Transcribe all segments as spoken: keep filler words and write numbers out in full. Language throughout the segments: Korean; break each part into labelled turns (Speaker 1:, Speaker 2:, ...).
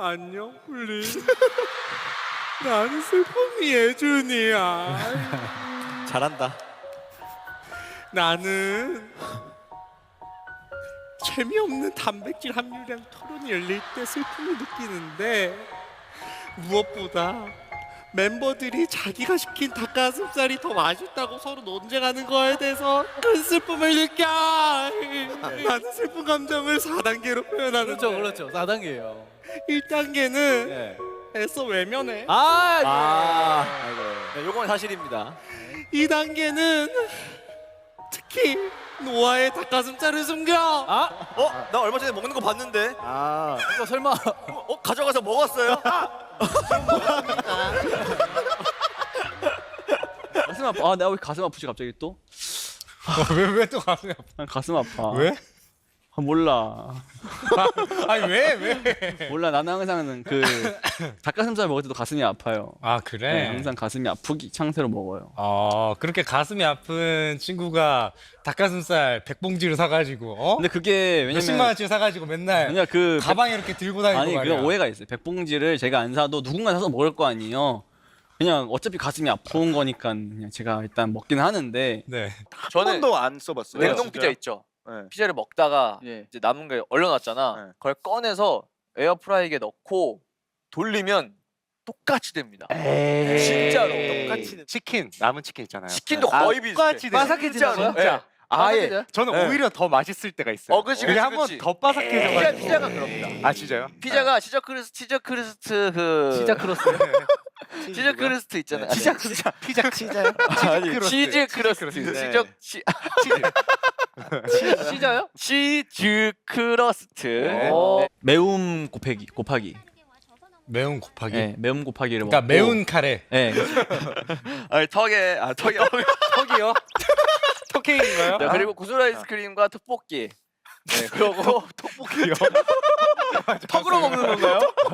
Speaker 1: 안녕 훌리. 나는 슬픔이 예준이야.
Speaker 2: 잘한다.
Speaker 1: 나는 재미없는 단백질 함유량 토론이 열릴 때 슬픔을 느끼는데 무엇보다 멤버들이 자기가 시킨 닭가슴살이 더 맛있다고 서로 논쟁하는 거에 대해서 큰 슬픔을 느껴. 나는 슬픈 감정을 사 단계로 표현하는데
Speaker 3: 그렇죠, 그렇죠. 사 단계예요.
Speaker 1: 일 단계는
Speaker 3: 네.
Speaker 1: 애써 외면해.
Speaker 3: 아,
Speaker 2: 아,
Speaker 3: 예.
Speaker 2: 아이고. 네, 요건 사실입니다.
Speaker 1: 이 단계는 특히 노아의 닭가슴살을 숨겨.
Speaker 3: 아,
Speaker 2: 어? 나 얼마 전에 먹는 거 봤는데.
Speaker 3: 아, 이거 설마
Speaker 2: 어? 가져가서 먹었어요?
Speaker 4: 가슴 아파. 아, 내가 왜 가슴 아프지 갑자기 또?
Speaker 1: 왜 왜 또 가슴이 아파?
Speaker 4: 난 가슴 아파.
Speaker 1: 왜?
Speaker 4: 아, 몰라.
Speaker 1: 아니 왜 왜?
Speaker 4: 몰라. 나는 항상 그 닭가슴살 먹을 때도 가슴이 아파요.
Speaker 1: 아
Speaker 4: 네,
Speaker 1: 그래?
Speaker 4: 항상 가슴이 아프기 상태로 먹어요.
Speaker 1: 어 그렇게 가슴이 아픈 친구가 닭가슴살 백봉지를 사가지고 어?
Speaker 4: 근데 그게
Speaker 1: 몇십만
Speaker 4: 왜냐면
Speaker 1: 원치 사가지고 맨날
Speaker 4: 그냥 그
Speaker 1: 가방에 이렇게 들고 다니고
Speaker 4: 아니
Speaker 1: 말이야.
Speaker 4: 그런 오해가 있어요. 백봉지를 제가 안 사도 누군가 사서 먹을 거 아니에요. 그냥 어차피 가슴이 아픈 거니까 그냥 제가 일단 먹긴 하는데
Speaker 1: 네.
Speaker 5: 저는
Speaker 6: 번도 안 써봤어요.
Speaker 5: 냉동
Speaker 6: 진짜요?
Speaker 5: 피자 있죠.
Speaker 6: 네.
Speaker 5: 피자를 먹다가
Speaker 4: 예.
Speaker 5: 이제 남은 게 얼려놨잖아.
Speaker 6: 네.
Speaker 5: 그걸 꺼내서 에어프라이기에 넣고 돌리면 똑같이 됩니다.
Speaker 4: 에이.
Speaker 5: 진짜로
Speaker 6: 똑같이 치킨 남은 치킨 있잖아요.
Speaker 5: 치킨도
Speaker 6: 아,
Speaker 5: 거의 비슷해.
Speaker 6: 똑같이 돼요.
Speaker 5: 바삭해지는
Speaker 6: 진짜. 아예
Speaker 5: 바삭해져요?
Speaker 6: 저는
Speaker 5: 네.
Speaker 6: 오히려 더 맛있을 때가 있어요.
Speaker 5: 어, 그치,
Speaker 6: 그게
Speaker 5: 그치,
Speaker 6: 한번
Speaker 5: 그치.
Speaker 6: 더
Speaker 5: 피자,
Speaker 6: 바삭해져가지고.
Speaker 5: 피자가 그럽니다.
Speaker 6: 아 진짜요?
Speaker 5: 피자가 치저 크리스 치저 크리스트 그
Speaker 3: 진짜 크로스.
Speaker 5: 치저 크리스트 있잖아요.
Speaker 6: 네. 피자 피자 피자 치자요?
Speaker 5: 아니,
Speaker 6: 크러스트.
Speaker 5: 치즈 크러스트.
Speaker 6: 크러스트. 네.
Speaker 5: 치저 치
Speaker 6: 치즈.
Speaker 3: 시자요?
Speaker 5: 치즈 크러스트.
Speaker 6: 네.
Speaker 3: 어,
Speaker 4: 매움 곱하기 곱하기.
Speaker 1: 매운 곱하기.
Speaker 4: 네, 매움 곱하기를
Speaker 1: 그러니까
Speaker 4: 먹고.
Speaker 1: 매운 카레.
Speaker 4: 네.
Speaker 5: 아니 턱에 아 턱에
Speaker 1: 턱이요? 턱케이크인가요?
Speaker 5: 자, 그리고 구슬 아이스크림과 떡볶이. 네, 그리고
Speaker 6: 떡볶이요?
Speaker 5: 턱으로 먹는 건가요?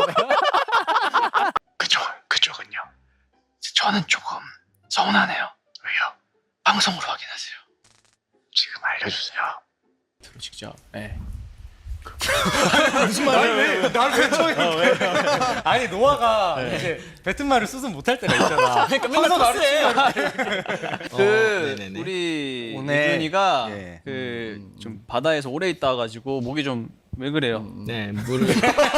Speaker 7: 그쪽, 그쪽은요. 저는 조금 서운하네요. 왜요? 방송으로 확인하세요. 지금 알려주세요.
Speaker 4: 직접. 네.
Speaker 1: 무슨 말이야? 왜? 나를 왜 쳐요? 아니 노아가 이제 뱉은 말을 수습 못할 때가 있잖아. 그러니까 맨날 나를 치고
Speaker 4: 그
Speaker 6: 네네네.
Speaker 4: 우리
Speaker 6: 오늘-
Speaker 4: 예준이가
Speaker 6: 예.
Speaker 4: 그 좀 바다에서 오래 있다 가지고 목이 좀 왜 그래요?
Speaker 3: 네, 물을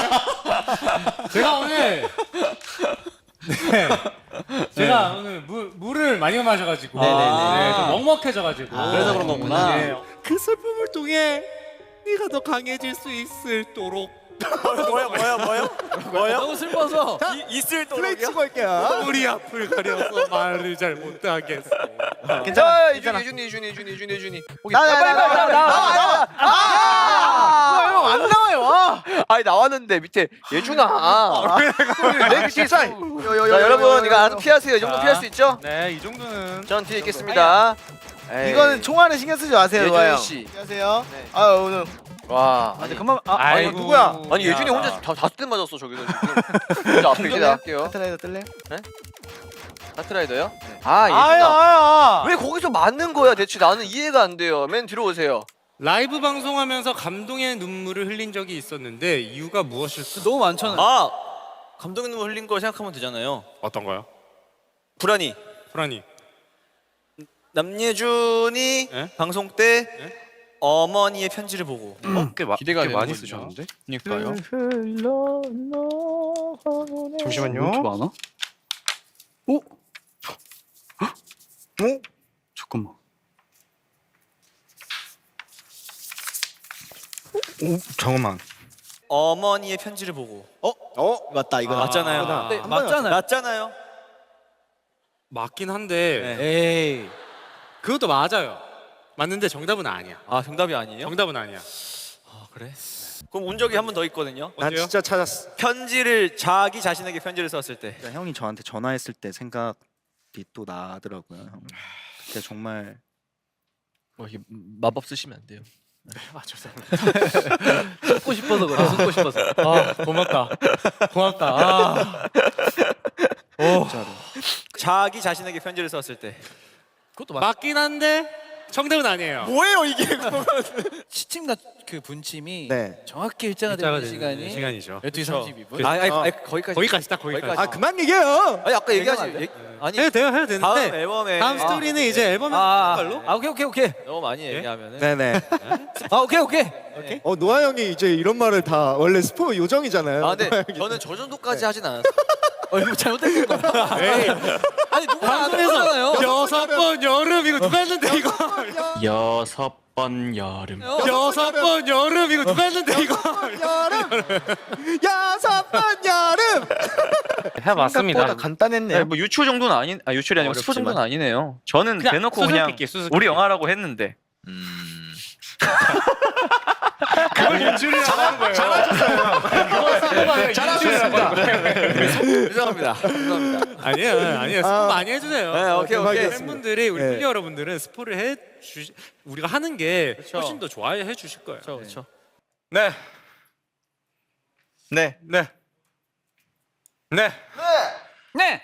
Speaker 1: 제가 오늘 네. 제가 오늘 물, 물을 많이 마셔가지고
Speaker 4: 네네네.
Speaker 1: 네, 좀 먹먹해져가지고
Speaker 4: 그래서 그런 거구나.
Speaker 1: 네. 그 슬픔을 통해 네가 더 강해질 수 있을도록
Speaker 2: 뭐야 뭐야 뭐야? 뭐야?
Speaker 3: 너무 슬퍼서
Speaker 2: 이, 있을
Speaker 6: 플레이
Speaker 2: 도록이요?
Speaker 6: 치고 할게요.
Speaker 1: 우리 앞을 가려서 말을 잘 못하겠어.
Speaker 5: 자, 이준이, 이준이, 이준이, 이준이, 이준이, 이준이.
Speaker 6: 나와 나와 나와 나와 나와.
Speaker 5: 형 안 나와요. 아, 아니 나왔는데 밑에 예준아. 내 실사. 자, 여러분 이거 안 피하세요. 이 정도 피할 수 있죠?
Speaker 1: 네, 이 정도는
Speaker 5: 전 뒤에 있겠습니다. 에이,
Speaker 6: 이거는 총알은 신경 쓰지 마세요,
Speaker 5: 예준이
Speaker 6: 노아 형.
Speaker 5: 씨.
Speaker 6: 안녕하세요.
Speaker 5: 네.
Speaker 6: 아 오늘
Speaker 5: 와,
Speaker 6: 아니
Speaker 5: 아니,
Speaker 6: 그만 아
Speaker 1: 아이고.
Speaker 6: 아니 누구야?
Speaker 5: 아니 예준이 혼자 다 다섯 대 맞았어 저기서 지금. 혼자 앞에 기대 할게요.
Speaker 6: 카트라이더 뜰래요?
Speaker 5: 카트라이더요? 아
Speaker 6: 아야
Speaker 5: 예준아.
Speaker 6: 아야.
Speaker 5: 왜 거기서 맞는 거야 대체 나는 이해가 안 돼요. 맨 뒤로 오세요.
Speaker 1: 라이브 방송하면서 감동의 눈물을 흘린 적이 있었는데 이유가 무엇일까?
Speaker 3: 너무 많잖아요.
Speaker 2: 아 감동 눈물 흘린 거 생각하면 되잖아요.
Speaker 1: 어떤 거요?
Speaker 2: 불안이
Speaker 1: 프라니.
Speaker 2: 남예준이
Speaker 1: 예?
Speaker 2: 방송 때
Speaker 1: 예?
Speaker 2: 어머니의 편지를 보고
Speaker 6: 어, 꽤, 마,
Speaker 3: 기대가
Speaker 6: 꽤 많이
Speaker 3: 되는군요.
Speaker 6: 쓰셨는데?
Speaker 4: 그러니까요.
Speaker 6: 잠시만요.
Speaker 4: 왜 이렇게 많아? 오? 어? 잠깐만.
Speaker 6: 오 잠깐만.
Speaker 2: 어머니의 편지를 보고 어?
Speaker 6: 어 맞다 이거
Speaker 2: 맞잖아요.
Speaker 1: 아,
Speaker 3: 네, 맞잖아요.
Speaker 2: 맞잖아요.
Speaker 1: 맞긴 한데
Speaker 2: 네.
Speaker 3: 에이.
Speaker 1: 그것도 맞아요. 맞는데 정답은 아니야.
Speaker 2: 아 정답이 아니에요?
Speaker 1: 정답은 아니야.
Speaker 2: 아 그래? 그럼 운 적이 한 번 더 있거든요.
Speaker 6: 난
Speaker 1: 어때요?
Speaker 6: 진짜 찾았어.
Speaker 2: 편지를 자기 자신에게 편지를 썼을 때.
Speaker 8: 그러니까 형이 저한테 전화했을 때 생각이 또 나더라고요. 형. 그때 정말
Speaker 3: 뭐 이게 마법 쓰시면 안 돼요. 아 죄송합니다. 숨고 싶어서 그래. 숨고 싶어서.
Speaker 1: 아 고맙다. 고맙다. 아. 오.
Speaker 8: 진짜로
Speaker 2: 자기 자신에게 편지를 썼을 때.
Speaker 3: 그것도 맞.
Speaker 1: 맞긴 한데 정답은 아니에요.
Speaker 2: 뭐예요 이게?
Speaker 3: 시침과 그 분침이
Speaker 8: 네.
Speaker 3: 정확히 일자가 되는 시간이
Speaker 1: 시간이죠.
Speaker 3: 열두 시 삼십이 분.
Speaker 2: 아, 아니, 아니, 거기까지.
Speaker 1: 거기까지 딱 거기까지.
Speaker 6: 아 그만 얘기해요.
Speaker 2: 아니 아까 얘기하지.
Speaker 3: 얘기하면 안
Speaker 2: 얘기- 아니
Speaker 1: 해도 돼요, 해도
Speaker 2: 다음
Speaker 1: 되는데
Speaker 2: 앨범에
Speaker 1: 다음 스토리는 이제 앨범에
Speaker 3: 아,
Speaker 1: 걸로.
Speaker 3: 아 오케이 오케이 오케이.
Speaker 2: 너무 많이 얘기하면은
Speaker 8: 네네.
Speaker 3: 아 오케이 오케이.
Speaker 6: 어 노아 형이 이제 이런 말을 다 원래 스포 요정이잖아요.
Speaker 2: 아 근데 저는 저 정도까지 하진 않았어요.
Speaker 3: 어 이거 잘못된 건가? 아니 누가 안 했잖아요.
Speaker 1: 여섯 번 여름 이거 누가 했는데 이거.
Speaker 4: 여섯 번 여름.
Speaker 1: 여섯 번 여름 이거 누가 했는데 이거.
Speaker 6: 여름 여섯 번 여름.
Speaker 8: 생각보다 간단했네요.
Speaker 4: 네, 뭐 유추 정도는 아닌, 아 유출이 아니고 스포
Speaker 8: 어렵지만.
Speaker 4: 정도는 아니네요. 저는
Speaker 1: 그냥
Speaker 4: 대놓고 그냥
Speaker 1: 수수께끼, 수수께끼.
Speaker 4: 우리 영화라고 했는데.
Speaker 1: 그걸 연출을 잘하는 거예요. 잘하셨어요.
Speaker 2: 죄송합니다. 죄송합니다.
Speaker 1: 아니에요, 아니에요. 스포
Speaker 6: 아.
Speaker 1: 많이 해주세요.
Speaker 2: 네, 오케이 오케이.
Speaker 1: 팬분들이 우리
Speaker 6: 네.
Speaker 1: 플리 여러분들은 스포를 해 주시, 우리가 하는 게 훨씬 더 좋아해 주실 거예요.
Speaker 2: 그렇죠.
Speaker 1: 네,
Speaker 8: 네.
Speaker 1: 네, 네,
Speaker 3: 네.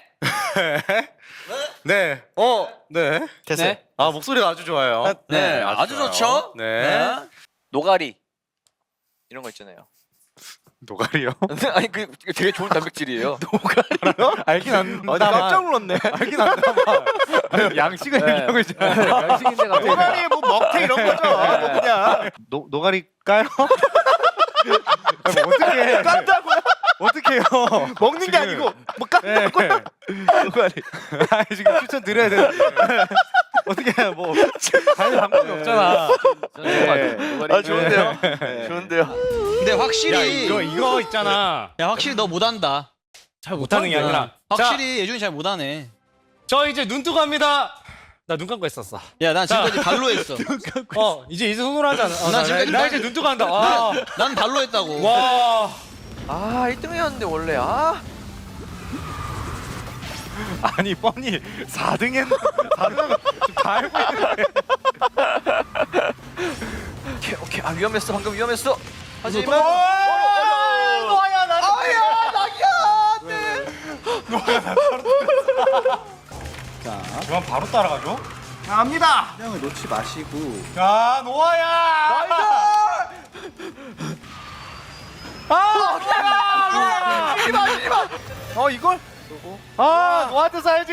Speaker 1: 네.
Speaker 2: 어,
Speaker 1: 네.
Speaker 8: 됐어요.
Speaker 3: 네.
Speaker 1: 아 목소리가 아주 좋아요.
Speaker 2: 네, 아주 좋죠.
Speaker 1: 네.
Speaker 2: 노가리 이런 거 있잖아요.
Speaker 1: 노가리요?
Speaker 2: 아니 그 이거 되게 좋은 단백질이에요.
Speaker 1: 알긴 안.
Speaker 6: 어, 나 깜짝 놀랐네.
Speaker 1: 알긴 안다. 양식을 얘기하고 있잖아요.
Speaker 3: 양식인데 갑자기.
Speaker 6: 노가리 뭐 먹태 이런 거죠. 뭐 그냥
Speaker 1: 노 노가리 까요? 아니, 뭐 어떻게
Speaker 6: 깐다고요?
Speaker 1: 어떻게요?
Speaker 6: 먹는 게
Speaker 1: 지금-
Speaker 6: 아니고 뭐 깐다고요?
Speaker 1: 노가리. 아니 지금 추천 드려야 되는데 어떻게 뭐 다른 방법이 없잖아.
Speaker 3: 네.
Speaker 2: 아 좋은데요? 좋은데요?
Speaker 3: 근데 확실히
Speaker 1: 이거 이거 있잖아.
Speaker 4: 야 확실히 너 못한다.
Speaker 3: 잘
Speaker 1: 못하는 게 아니라.
Speaker 4: 확실히 예준이 잘 못하네.
Speaker 1: 저 이제 눈 뜨고 합니다. 나 눈 감고 했었어.
Speaker 4: 야 난 지금까지 발로 했어.
Speaker 1: 어 이제 이제 손으로 하잖아. 어,
Speaker 4: 나
Speaker 1: 나,
Speaker 4: 지금까지
Speaker 1: 나, 나
Speaker 4: 발-
Speaker 1: 이제 눈 뜨고 한다. 와.
Speaker 4: 난 발로 했다고.
Speaker 1: 와.
Speaker 2: 아 일 등이었는데 원래 아
Speaker 1: 아니 뻔히 사 등 했는데 사 등하고 다 알고 있는데.
Speaker 2: 오케이 오케이 아 위험했어 방금 위험했어. 하지만
Speaker 1: 너야 나. 아야
Speaker 8: 자,
Speaker 1: 그만 바로 따라가죠.
Speaker 6: 갑니다.
Speaker 8: 형을 놓지 마시고.
Speaker 1: 야 노아야.
Speaker 6: 어 이걸? 아 노아한테 사야지.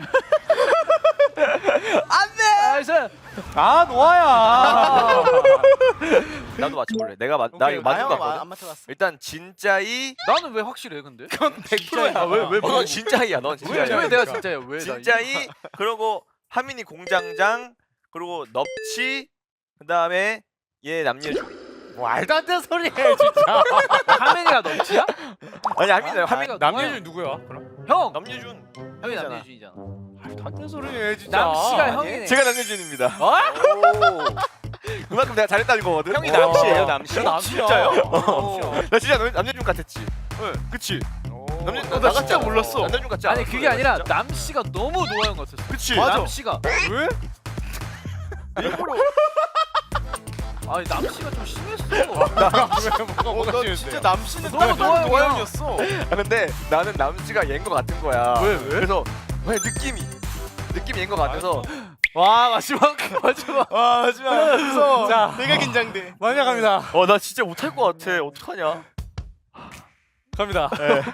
Speaker 3: 나이스.
Speaker 1: 아 노아야.
Speaker 2: 나도 맞춰볼래. 내가 맞, 나 이거 맞은 거 같거든.
Speaker 6: 안 맞춰봤어.
Speaker 2: 일단 진짜이
Speaker 3: 나는 왜 확실해 근데?
Speaker 1: 백 퍼센트야.
Speaker 2: 왜왜 넌 진짜이야 넌
Speaker 3: 왜,
Speaker 2: 진짜야.
Speaker 3: 왜 내가 진짜야? 왜 나?
Speaker 2: 진짜이 그리고 하민이 공장장 그리고 넙치 그 다음에 얘 남녀준.
Speaker 1: 말도 안 되는 소리 해 진짜.
Speaker 3: 하민이가 넘치야?
Speaker 2: 아니 하민이 하민
Speaker 3: 하민이가
Speaker 1: 남녀준 누구야? 그럼?
Speaker 3: 형.
Speaker 2: 남녀준.
Speaker 3: 형이 남녀준이잖아.
Speaker 1: 말도 안 되는 소리 해 진짜.
Speaker 3: 남씨가 형이네.
Speaker 2: 제가 남녀준입니다.
Speaker 3: 어?
Speaker 2: 그만큼 내가 잘했다는 거거든. 형이
Speaker 1: 어.
Speaker 2: 남씨예요 남씨.
Speaker 1: 남씨야.
Speaker 2: 진짜요?
Speaker 1: 어.
Speaker 2: 나 진짜 남- 남녀준 같았지. 응, 그치. 남녀준
Speaker 3: 나
Speaker 2: 나
Speaker 3: 진짜
Speaker 2: 같지 몰랐어. 남녀준 같지
Speaker 3: 아니
Speaker 2: 않았어,
Speaker 3: 그게 아니라
Speaker 2: 진짜?
Speaker 3: 남씨가 너무 노아형 같았어.
Speaker 2: 그치.
Speaker 3: 남씨가
Speaker 2: 왜?
Speaker 3: 일부러. 아니 남씨가 좀 심했어.
Speaker 1: 뭐가 뭐가
Speaker 6: 너
Speaker 1: 싫은데?
Speaker 6: 진짜 남씨는
Speaker 3: 너무 노아형이야.
Speaker 6: 노아형이었어.
Speaker 2: 아 근데 나는 남씨가 얘인 거 같은 거야.
Speaker 1: 왜, 왜?
Speaker 2: 그래서 왜 느낌이 느낌이 얘인 거 같아서
Speaker 3: 와 마지막 마지막.
Speaker 6: 와 하지마. 무서워.
Speaker 1: 자.
Speaker 6: 되게 긴장돼.
Speaker 1: 마지막 갑니다.
Speaker 2: 어 나 진짜 못할 것 같아. 어떡하냐?
Speaker 1: 갑니다.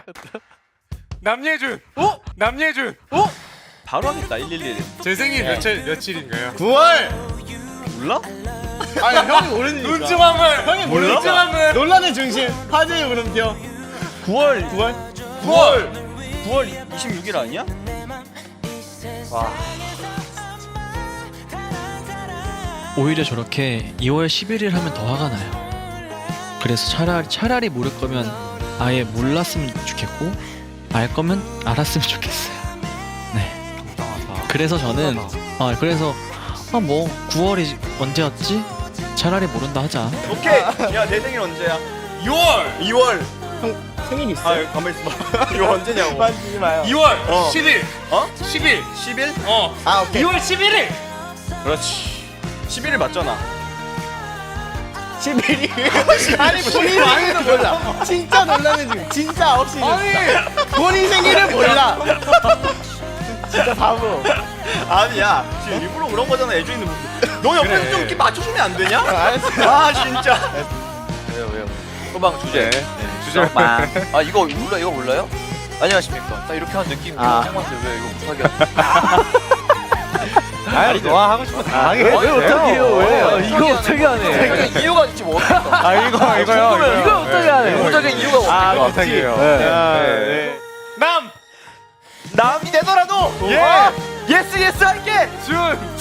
Speaker 1: 남예준. 어? 남예준. 어?
Speaker 4: 바로 하겠다. 일일일.
Speaker 1: 제 생일 며칠 며칠인가요?
Speaker 6: 구월.
Speaker 4: 몰라?
Speaker 6: 아니 형이 모르니까.
Speaker 1: 눈좀 한번. 형이
Speaker 6: 몰라?
Speaker 1: 눈좀 한번.
Speaker 6: 논란의 중심. 화제의 물음표.
Speaker 4: 구월
Speaker 6: 구월.
Speaker 1: 구월.
Speaker 4: 구월 이십육 일 아니야?
Speaker 9: 오히려 저렇게 이월 십일 일 하면 더 화가 나요. 그래서 차라리 차라리 모를 거면 아예 몰랐으면 좋겠고 알 거면 알았으면 좋겠어요. 네. 그래서 저는 아 그래서 아 뭐 구월이 언제였지? 차라리 모른다 하자.
Speaker 2: 오케이. 야 내 생일 언제야?
Speaker 1: 유월.
Speaker 2: 이월.
Speaker 6: 생일 있어.
Speaker 2: 아 가만 있어봐. 이거 언제냐고.
Speaker 6: 만지지 마요.
Speaker 1: 이월
Speaker 2: 어.
Speaker 1: 십일.
Speaker 2: 어?
Speaker 1: 십일.
Speaker 2: 십일?
Speaker 1: 어.
Speaker 6: 아 오케이.
Speaker 1: 이월 십일일.
Speaker 2: 그렇지. 십일 일 맞잖아.
Speaker 6: 십일이. 아니 본인 생일도 몰라. 진짜 놀라는 중. 진짜 없이. 아니 본인 생일을 몰라. 진짜 바보.
Speaker 4: 아니야 지금 일부러 그런 거잖아. 예준이는 너 옆에서 좀 이렇게 맞춰주면 안 되냐? 아 진짜.
Speaker 5: 왜요 왜요? 소방 주제. 소방. 아 이거 몰라 이거 몰라요? 안녕하십니까. 딱 이렇게 하는 느낌이
Speaker 6: 아.
Speaker 5: 형한테 왜 이거 못하게 하지?
Speaker 6: 아니 너가 하고 싶은 다 하게
Speaker 5: 왜 어떻게 해요?
Speaker 3: 왜? 이거 어떻게 하네?
Speaker 5: 자기 이유가 있지 뭐 어떡하?
Speaker 6: 아 이거 이거요
Speaker 3: 이거 어떻게 하네?
Speaker 5: 못하게 이유가
Speaker 6: 아
Speaker 5: 없을까?
Speaker 6: 못하게요
Speaker 4: 네. 남 남이 되더라도
Speaker 5: 예! 예스 예스 할게!
Speaker 4: 준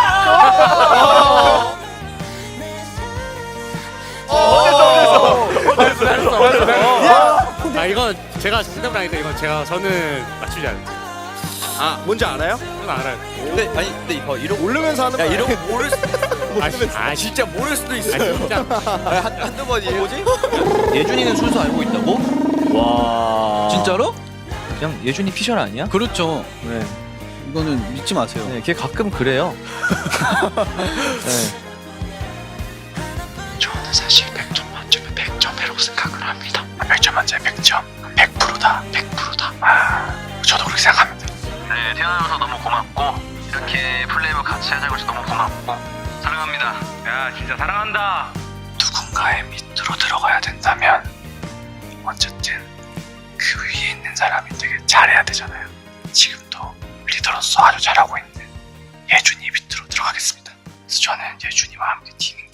Speaker 4: 준아.
Speaker 1: 아 이건 제가 정답은 아닌데 이건 제가 저는 맞추지 않아요.
Speaker 8: 아 뭔지 알아요?
Speaker 1: 저는 알아요.
Speaker 5: 근데 아니 근데 이거 이런
Speaker 6: 모르면서 하는
Speaker 5: 야
Speaker 6: 거야
Speaker 5: 이런 거 모를 수
Speaker 1: 아, 씨, 아
Speaker 5: 진짜 모를 수도 있어.
Speaker 1: 아 진짜
Speaker 5: 한 한두 번이에요. 뭐지?
Speaker 3: 예준이는 순서 알고 있다고?
Speaker 4: 와
Speaker 3: 진짜로? 그냥 예준이 피셜 아니야?
Speaker 8: 그렇죠. 네. 이거는 믿지 마세요.
Speaker 3: 네, 걔 가끔 그래요. 네.
Speaker 7: 저는 사실 백 점 만점에 백 점이라고 생각을 합니다. 백 점 만점에 백 점. 백 퍼센트다. 백 퍼센트다. 아, 저도 그렇게 생각합니다. 네, 태어나서 너무 고맙고 이렇게 플레이를 같이 하자고 해서 너무 고맙고 사랑합니다. 야, 진짜 사랑한다. 누군가의 밑으로 들어가야 된다면 어쨌든 그 위에 있는 사람이 되게 잘해야 되잖아요. 지금도 리더로서 아주 잘하고 있는 예준이 밑으로 들어가겠습니다. 그래서 저는 예준이와 함께 팀